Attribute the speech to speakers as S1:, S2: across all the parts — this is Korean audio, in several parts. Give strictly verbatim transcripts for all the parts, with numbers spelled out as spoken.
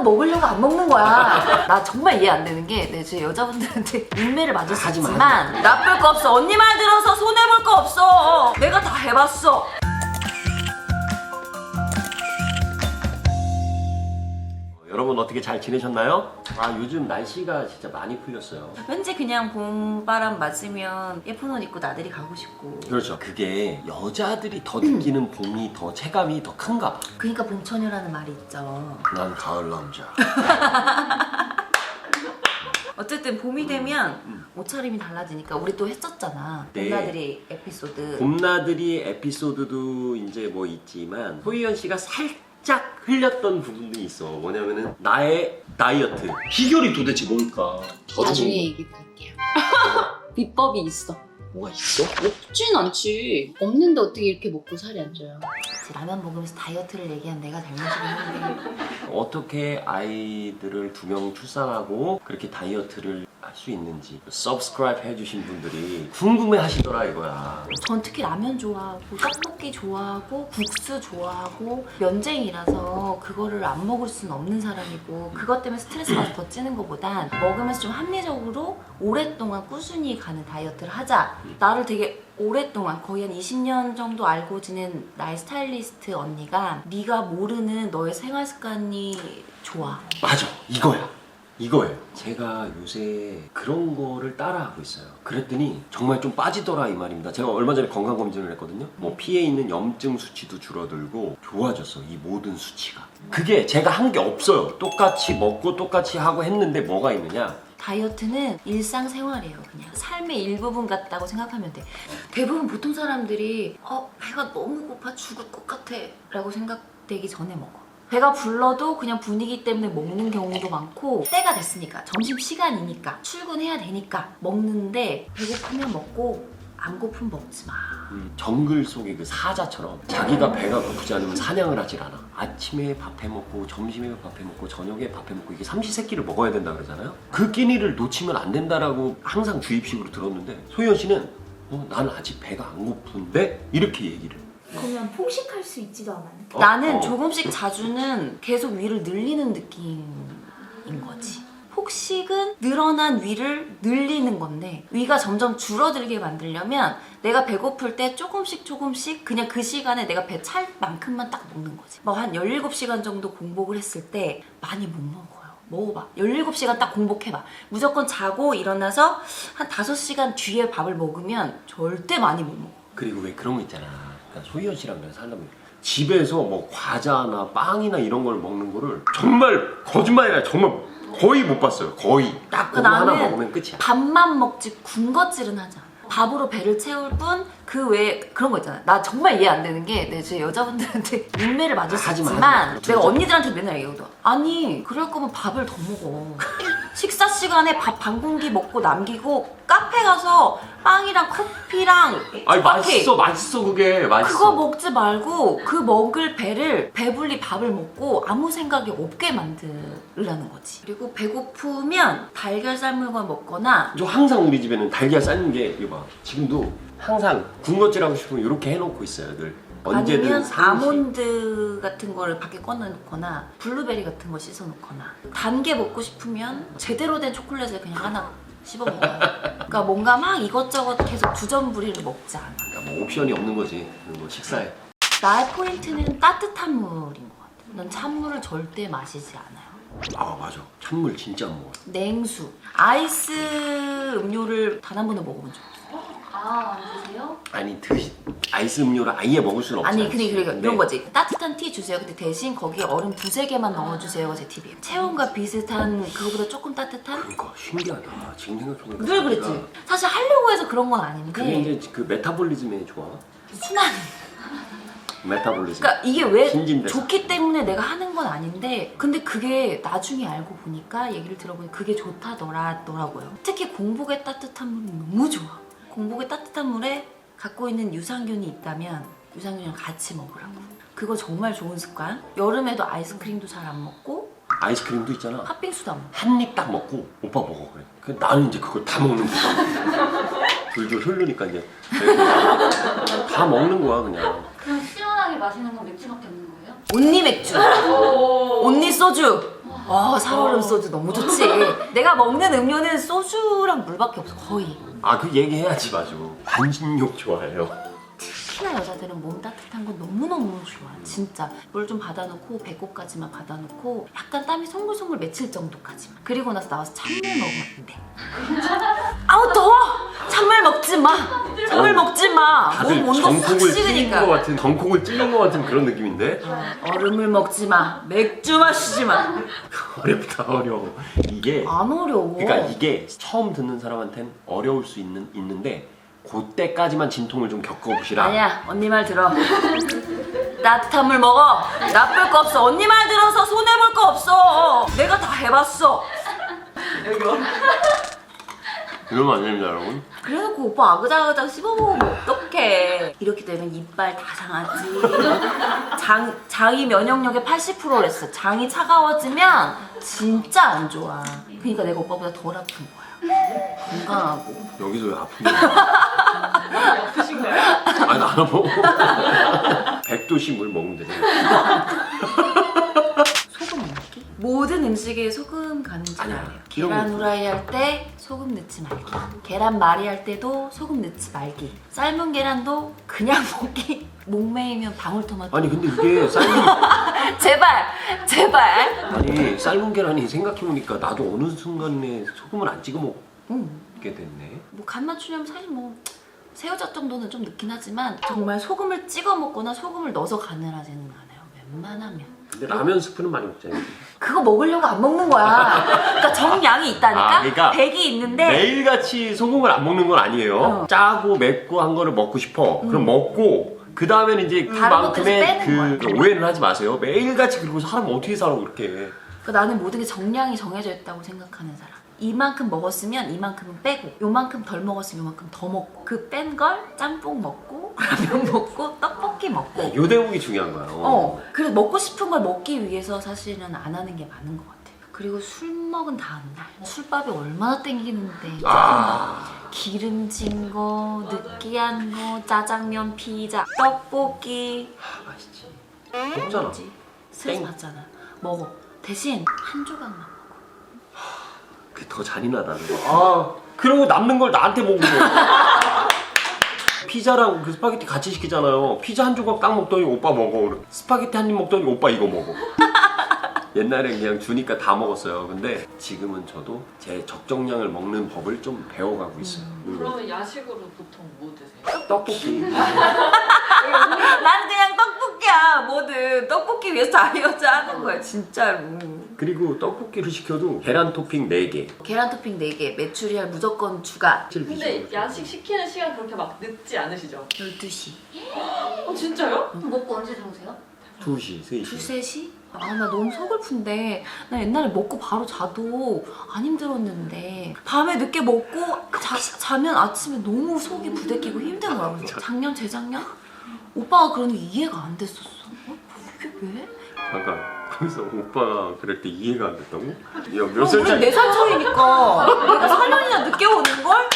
S1: 먹으려고 안 먹는 거야. 나 정말 이해 안 되는 게, 내 제 여자분들한테 인매를 맞을 수 있지만 나쁠 거 없어. 언니 말 들어서 손해볼 거 없어. 내가 다 해봤어.
S2: 여러분 어떻게 잘 지내셨나요? 아 요즘 날씨가 진짜 많이 풀렸어요.
S1: 왠지 그냥 봄바람 맞으면 예쁜 옷 입고 나들이 가고 싶고.
S2: 그렇죠. 그게 여자들이 더 느끼는 봄이 더 체감이 더 큰가 봐.
S1: 그러니까 봄처녀라는 말이 있죠.
S2: 난 가을 남자.
S1: 어쨌든 봄이 되면 옷차림이 달라지니까 우리 또 했었잖아.
S2: 네.
S1: 봄나들이 에피소드.
S2: 봄나들이 에피소드도 이제 뭐 있지만 소희연 씨가 살짝 흘렸던 부분이 있어. 뭐냐면은 나의 다이어트 비결이 도대체 뭘까?
S3: 나중에 얘기 드릴게요. 비법이 있어.
S2: 뭐가 있어?
S3: 없진 않지. 없는데 어떻게 이렇게 먹고 살이 안 쪄요?
S1: 라면 먹으면서 다이어트를 얘기한 내가 잘못이긴 한데.
S2: 어떻게 아이들을 두 명 출산하고 그렇게 다이어트를 할 수 있는지 서브스크라이브 해주신 분들이 궁금해 하시더라 이거야.
S1: 전 특히 라면 좋아하고 떡볶이 좋아하고 국수 좋아하고 면쟁이라서 그거를 안 먹을 수는 없는 사람이고, 그것 때문에 스트레스 받아서 더 찌는 것보단 먹으면서 좀 합리적으로 오랫동안 꾸준히 가는 다이어트를 하자. 나를 되게 오랫동안 거의 한 이십 년 정도 알고 지낸 나의 스타일리스트 언니가 네가 모르는 너의 생활 습관이 좋아.
S2: 맞아, 이거야. 이거예요. 제가 요새 그런 거를 따라하고 있어요. 그랬더니 정말 좀 빠지더라 이 말입니다. 제가 얼마 전에 건강검진을 했거든요. 뭐 피에 있는 염증 수치도 줄어들고 좋아졌어, 이 모든 수치가. 그게 제가 한 게 없어요. 똑같이 먹고 똑같이 하고 했는데 뭐가 있느냐?
S1: 다이어트는 일상생활이에요. 그냥 삶의 일부분 같다고 생각하면 돼. 대부분 보통 사람들이 어 배가 너무 고파 죽을 것 같아 라고 생각되기 전에 먹어. 배가 불러도 그냥 분위기 때문에 먹는 경우도 많고, 때가 됐으니까, 점심시간이니까, 출근해야 되니까 먹는데 배고프면 먹고 안 고프면 먹지 마.
S2: 음, 정글 속의 그 사자처럼 자기가 배가 고프지 않으면 사냥을 하질 않아. 아침에 밥 해 먹고 점심에 밥 해 먹고 저녁에 밥 해 먹고 이게 삼시세끼를 먹어야 된다 그러잖아요. 그 끼니를 놓치면 안 된다라고 항상 주입식으로 들었는데 소희연 씨는 어, 난 아직 배가 안 고픈데 이렇게 얘기를.
S4: 그러면 폭식할 수 있지도 않아요.
S2: 어?
S1: 나는
S2: 어.
S1: 조금씩 자주는 계속 위를 늘리는 느낌인 거지. 폭식은 늘어난 위를 늘리는 건데, 위가 점점 줄어들게 만들려면 내가 배고플 때 조금씩 조금씩 그냥 그 시간에 내가 배 찰 만큼만 딱 먹는 거지. 뭐 한 열일곱 시간 정도 공복을 했을 때 많이 못 먹어요. 먹어봐. 열일곱 시간 딱 공복해봐. 무조건 자고 일어나서 한 다섯 시간 뒤에 밥을 먹으면 절대 많이 못 먹어.
S2: 그리고 왜 그런 거 있잖아. 그러니까 소희연 씨랑 내가 살려면 집에서 뭐 과자나 빵이나 이런 걸 먹는 거를 정말 거짓말이 아니라 정말 거의 못 봤어요. 거의. 딱 그거 하나 먹으면 끝이야.
S1: 밥만 먹지 군것질은 하지 않아. 밥으로 배를 채울 뿐 그 외에 그런 거 있잖아. 나 정말 이해 안 되는 게, 내 제 여자분들한테 인매를 맞을 수
S2: 하지 마,
S1: 있지만
S2: 하지 마.
S1: 내가 언니들한테 맨날 얘기하거든. 아니 그럴 거면 밥을 더 먹어. 식사 시간에 밥 반 공기 먹고 남기고 카페 가서 빵이랑 커피랑
S2: 아니
S1: 커피,
S2: 맛있어 맛있어 그게 맛있어.
S1: 그거 먹지 말고 그 먹을 배를 배불리 밥을 먹고 아무 생각이 없게 만들라는 거지. 그리고 배고프면 달걀 삶은 걸 먹거나.
S2: 저 항상 우리 집에는 달걀 삶는 게 이거 봐. 지금도 항상 군것질 하고 싶으면 이렇게 해놓고 있어요 늘. 언제든
S1: 아니면
S2: 삼시.
S1: 아몬드 같은 거를 밖에 꺼내놓거나 블루베리 같은 거 씻어놓거나, 단 게 먹고 싶으면 제대로 된 초콜릿을 그냥 하나 씹어 먹어요. 그러니까 뭔가 막 이것저것 계속 두전부리를 먹지 않아.
S2: 그러니까 뭐 옵션이 없는 거지. 뭐 식사에.
S1: 나의 포인트는 따뜻한 물인 것 같아. 난 찬물을 절대 마시지 않아요.
S2: 아 맞아. 찬물 진짜 안 먹어.
S1: 냉수, 아이스 음료를 단 한 번도 먹어본 적 없어.
S4: 아, 안 드세요?
S2: 아니 드시 아이스 음료를 아예 먹을 수는 없지.
S1: 아니 근데 그러니까
S2: 근데
S1: 이런 거지. 따뜻한 티 주세요. 근데 대신 거기에 얼음 두세 개만 넣어주세요가 제 팁이에요. 체온과 비슷한, 그거보다 조금 따뜻한?
S2: 그러니까 신기하다. 지금 생각해보니까.
S1: 늘 그랬지. 사실 하려고 해서 그런 건 아닌데
S2: 그게 이제 그 메타볼리즘에 좋아.
S1: 순환.
S2: 메타볼리즘.
S1: 그러니까 이게 왜
S2: 신진대사.
S1: 좋기 때문에 내가 하는 건 아닌데, 근데 그게 나중에 알고 보니까, 얘기를 들어보니 그게 좋다더라고요. 특히 공복에 따뜻한 물은 너무 좋아. 공복에 따뜻한 물에 갖고 있는 유산균이 있다면 유산균이랑 같이 먹으라고. 그거 정말 좋은 습관. 여름에도 아이스크림도 잘 안 먹고
S2: 아이스크림도 있잖아.
S1: 팥빙수도 안 먹고.
S2: 한 입 딱 먹고 오빠 먹어 그래. 그 나는 이제 그걸 다 먹는 거야. 줄줄 흐르니까 이제 다 먹는 거야 그냥.
S4: 그럼 시원하게 마시는 건 맥주밖에 없는 거예요?
S1: 온니 맥주, 온니 소주. 어, 살얼음 소주 너무 좋지. 내가 먹는 음료는 소주랑 물밖에 없어, 거의.
S2: 아 그 얘기해야지 맞아. 반신욕 좋아해요.
S1: 특히나 여자들은 몸 따뜻한 건 너무너무 좋아. 진짜. 물 좀 받아놓고 배꼽까지만 받아놓고 약간 땀이 송글송글 맺힐 정도까지만. 그리고 나서 나와서 찬물 먹으면 안 돼. 아우 더워! 찬물 먹지 마! 찬물
S2: 어,
S1: 먹지 마!
S2: 다들
S1: 몸 온도 싹
S2: 정콕을 찔린 것
S1: 식으니까.
S2: 같은 정콕을 찔린 것 같은 그런 느낌인데.
S1: 얼음을 먹지 마. 맥주 마시지 마.
S2: 어렵다 어려워. 이게
S1: 안 어려워.
S2: 그러니까 이게 처음 듣는 사람한테는 어려울 수 있는 있는데 그때까지만 진통을 좀 겪어보시라.
S1: 아니야, 언니 말 들어. 따뜻한 물 먹어. 나쁠 거 없어. 언니 말 들어서 손해볼 거 없어. 내가 다 해봤어.
S2: 이러면 안 됩니다 여러분.
S1: 그래놓고 오빠 아그작아그작 씹어먹으면 어떡해. 이렇게 되면 이빨 다 상하지. 장, 장이 면역력의 팔십 퍼센트랬어. 장이 차가워지면 진짜 안 좋아. 그러니까 내가 오빠보다 덜 아픈 거야. 건강하고.
S2: 여기서 왜 아픈 거야?
S3: 아프신 거예요?
S2: 아니 나는 뭐 백 도씩 물 먹으면 되네.
S1: 소금 넣기? 모든 음식에 소금 가는 줄
S2: 아니야.
S1: 알아요.
S2: 이런
S1: 계란
S2: 거.
S1: 후라이 할 때 소금 넣지 말기. 계란 말이 할 때도 소금 넣지 말기. 삶은 계란도 그냥 먹기. 목매이면 방울토마토.
S2: 아니 근데 이게 삶은
S1: 제발, 제발.
S2: 아니 삶은 계란이 생각해보니까 나도 어느 순간에 소금을 안 찍어 먹게
S1: 응.
S2: 됐네.
S1: 뭐 간 맞추려면 사실 뭐 새우젓 정도는 좀 넣긴 하지만 정말 소금을 찍어 먹거나 소금을 넣어서 간을 하지는 않아요. 웬만하면.
S2: 근데 라면 스프는 많이 먹잖아요.
S1: 그거 먹으려고 안 먹는 거야. 그러니까 정량이 있다니까.
S2: 아, 그러니까
S1: 백이 있는데
S2: 매일같이 소금을 안 먹는 건 아니에요.
S1: 어.
S2: 짜고 맵고 한 거를 먹고 싶어. 그럼 먹고 그 다음에는 이제
S1: 다른 것들을
S2: 그만큼의
S1: 빼는
S2: 그 오해는 하지 마세요. 매일같이 그리고 사람 어떻게 살아 그렇게.
S1: 그러니까 나는 모든 게 정량이 정해져 있다고 생각하는 사람. 이만큼 먹었으면 이만큼은 빼고 요만큼 덜 먹었으면 요만큼 더 먹고 그 뺀 걸 짬뽕 먹고 라면 먹고 떡볶이 먹고
S2: 요 대목이 중요한 거야.
S1: 어 그래서 먹고 싶은 걸 먹기 위해서 사실은 안 하는 게 많은 것 같아. 그리고 술 먹은 다음날 술밥이 얼마나 땡기는데
S2: 아.
S1: 기름진 거, 느끼한 거, 짜장면, 피자, 떡볶이
S2: 아, 맛있지. 먹잖아.
S1: 뭐지? 스트레스
S2: 땡.
S1: 받잖아. 먹어. 대신 한 조각만 먹어.
S2: 그게 더 잔인하다는 거. 아, 그러고 남는 걸 나한테 먹는 거야. 피자랑 그 스파게티 같이 시키잖아요. 피자 한 조각 딱 먹더니 오빠 먹어. 스파게티 한 입 먹더니 오빠 이거 먹어. 옛날엔 그냥 주니까 다 먹었어요. 근데 지금은 저도 제 적정량을 먹는 법을 좀 배워가고 있어요. 음.
S3: 그러면 야식으로 보통 뭐 드세요?
S2: 떡볶이.
S1: 난 그냥 떡볶이야. 뭐든 떡볶이 위해서 다이어트 하는 거야 진짜로.
S2: 그리고 떡볶이를 시켜도 계란 토핑 네 개.
S1: 계란 토핑 네 개, 메추리알 무조건 추가.
S3: 근데 야식 시키는 시간 그렇게 막 늦지 않으시죠?
S1: 열두 시.
S3: 어 진짜요?
S4: 먹고 언제 들어오세요?
S2: 두 시, 세 시.
S1: 두세 시? 아, 나 너무 서글픈데. 나 옛날에 먹고 바로 자도 안 힘들었는데 밤에 늦게 먹고 자, 자면 아침에 너무 속이 부대끼고 힘든 거야. 그래서 작년, 재작년? 오빠가 그러는 게 이해가 안 됐었어. 어? 이게 왜?
S2: 잠깐. 거기서 오빠가 그럴 때 이해가 안 됐다고? 야, 몇
S1: 그럼 우리
S2: 살짜리?
S1: 네 살 차이니까 내가 사 년이나 늦게 오는걸?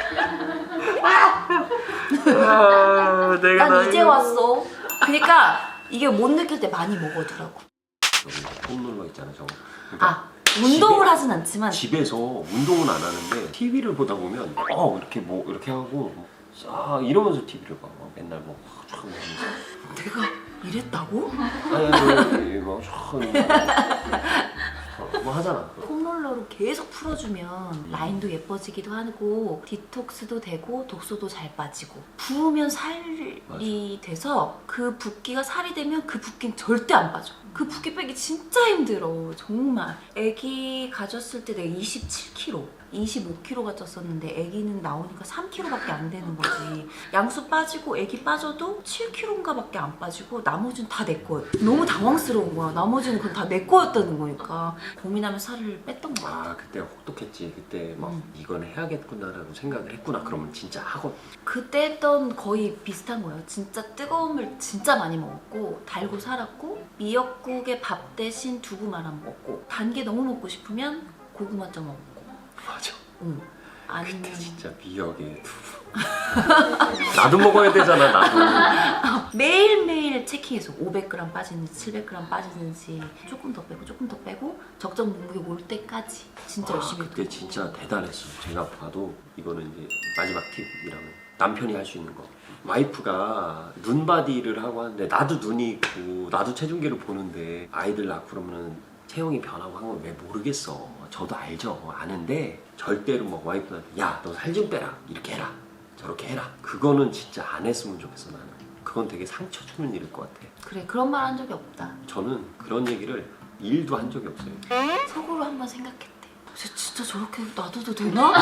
S2: 아, 내가
S1: 난 이제 왔어. 그러니까 이게 못 느낄 때 많이 먹어두라고.
S2: 폼롤러 있잖아 저거. 그러니까
S1: 아, 운동을 하진 않지만
S2: 집에서 운동은 안 하는데 티비를 보다 보면 어 이렇게 뭐 이렇게 하고 싹 이러면서 티비를 봐. 막 맨날 뭐 쫙 하면서.
S1: 내가 이랬다고?
S2: 아니 뭐뭐 하잖아.
S1: 폼롤러로 계속 풀어주면 라인도 예뻐지기도 하고 디톡스도 되고 독소도 잘 빠지고 부으면 살이
S2: 맞아.
S1: 돼서 그 붓기가 살이 되면 그 붓기는 절대 안 빠져. 그 붓기 빼기 진짜 힘들어 정말. 애기 가졌을 때 내가 이십칠 킬로그램 이십오 킬로그램가 쪘었는데 애기는 나오니까 삼 킬로그램밖에 안 되는 거지. 양수 빠지고 애기 빠져도 칠 킬로그램가 밖에 안 빠지고 나머지는 다 내 거예요. 너무 당황스러운 거야. 나머지는 그건 다 내 거였다는 거니까. 고민하면서 살을 뺐던 거야.
S2: 아 그때 혹독했지. 그때 막
S1: 음.
S2: 이건 해야겠구나라고 생각을 했구나. 그러면 진짜 하고.
S1: 그때 했던 거의 비슷한 거예요. 진짜 뜨거움을 진짜 많이 먹었고 달고 살았고 미역국에 밥 대신 두부 말아 먹었고 단 게 너무 먹고 싶으면 고구마 쪄 먹었고.
S2: 맞아.
S1: 응. 아니면
S2: 진짜 미역에 두부. 나도 먹어야 되잖아 나도.
S1: 매일매일 체킹해서 오백 그램 빠지는지 칠백 그램 빠지는지 조금 더 빼고 조금 더 빼고 적정 몸무게 올 때까지 진짜
S2: 와,
S1: 열심히
S2: 그때
S1: 했던
S2: 진짜 대단했어. 제가 봐도 이거는 이제 마지막 팁이라면 남편이 할 수 있는 거. 와이프가 눈바디를 하고 하는데 나도 눈이 있고 나도 체중계를 보는데 아이들 낳고 그러면은 체형이 변하고 한 건 왜 모르겠어. 저도 알죠. 아는데 절대로 뭐 와이프한테 야 너 살 좀 빼라 이렇게 해라 저렇게 해라. 그거는 진짜 안 했으면 좋겠어 나는. 그건 되게 상처 주는 일일 것 같아.
S1: 그래 그런 말 한 적이 없다.
S2: 저는 그런 얘기를 일도 한 적이 없어요.
S1: 속으로 한번 생각했대. 쟤 진짜 저렇게 놔둬도 되나?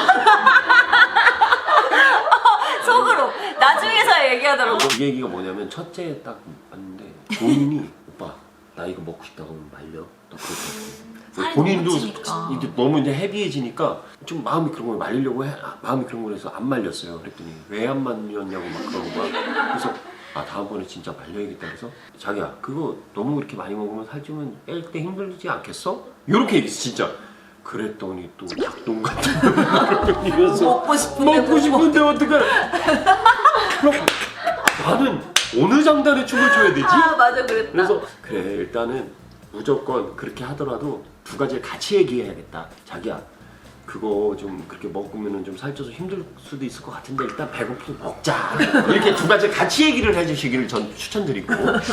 S1: 속으로 나중에서 얘기하더라고.
S2: 그 얘기가 뭐냐면 첫째 딱 봤는데 본인이 오빠 나 이거 먹고 싶다고 하면 말려. 너
S1: 살이
S2: 그렇게 본인도
S1: 너무 찌니까.
S2: 이제 너무 이제 헤비해지니까 좀 마음이 그런 걸 말리려고 해. 아, 마음이 그런 거라서 안 말렸어요. 그랬더니 왜 안 말렸냐고 막 그러는 거야. 그래서 아 다음번에 진짜 말려야겠다. 그래서 자기야 그거 너무 그렇게 많이 먹으면 살찌면 뺄 때 힘들지 않겠어? 이렇게 얘기했어 진짜. 그랬더니 또 닭똥 같은 거 이러면서
S1: 먹고 싶은데
S2: 먹고 싶은데 어떡해. 그럼 나는 어느 장단에 춤을 춰야 되지?
S1: 아 맞아 그랬다.
S2: 그래서 그래 일단은 무조건 그렇게 하더라도 두 가지를 같이 얘기해야겠다. 자기야 그거 좀 그렇게 먹으면 좀 살쪄서 힘들 수도 있을 것 같은데 일단 배고프면 먹자. 이렇게 두 가지를 같이 얘기를 해주시기를 전 추천드리고.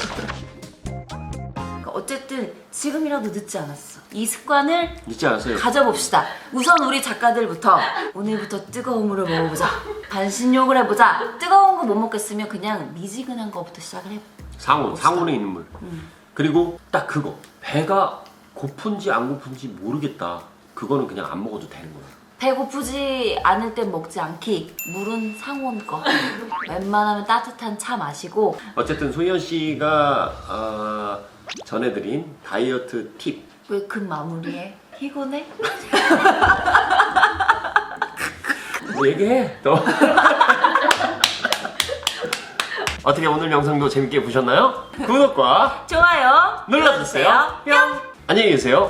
S1: 그러니까 어쨌든 지금이라도 늦지 않았어. 이 습관을
S2: 잊지 않았어요.
S1: 가져봅시다. 우선 우리 작가들부터 오늘부터 뜨거운 물을 먹어보자. 반신욕을 해보자. 뜨거운 거 못 먹겠으면 그냥 미지근한 거부터 시작을 해.
S2: 상온,
S1: 봅시다.
S2: 상온에 있는 물.
S1: 음.
S2: 그리고 딱 그거. 배가 고픈지 안 고픈지 모르겠다. 그거는 그냥 안 먹어도 되는 거야.
S1: 배고프지 않을 땐 먹지 않기. 물은 상온 거. 웬만하면 따뜻한 차 마시고.
S2: 어쨌든 소희연 씨가 어, 전해드린 다이어트 팁.
S1: 왜 급 마무리해? 피곤해?
S2: 얘기해. 너. 어떻게 오늘 영상도 재밌게 보셨나요? 구독과
S1: 좋아요
S2: 눌러주세요. 뿅. 안녕히 계세요.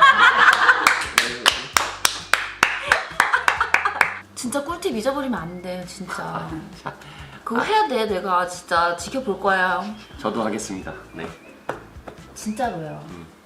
S1: 진짜 꿀팁 잊어버리면 안 돼, 진짜. 그거 해야 돼, 내가 진짜 지켜볼 거야.
S2: 저도 하겠습니다. 네.
S1: 진짜로요.
S2: 음.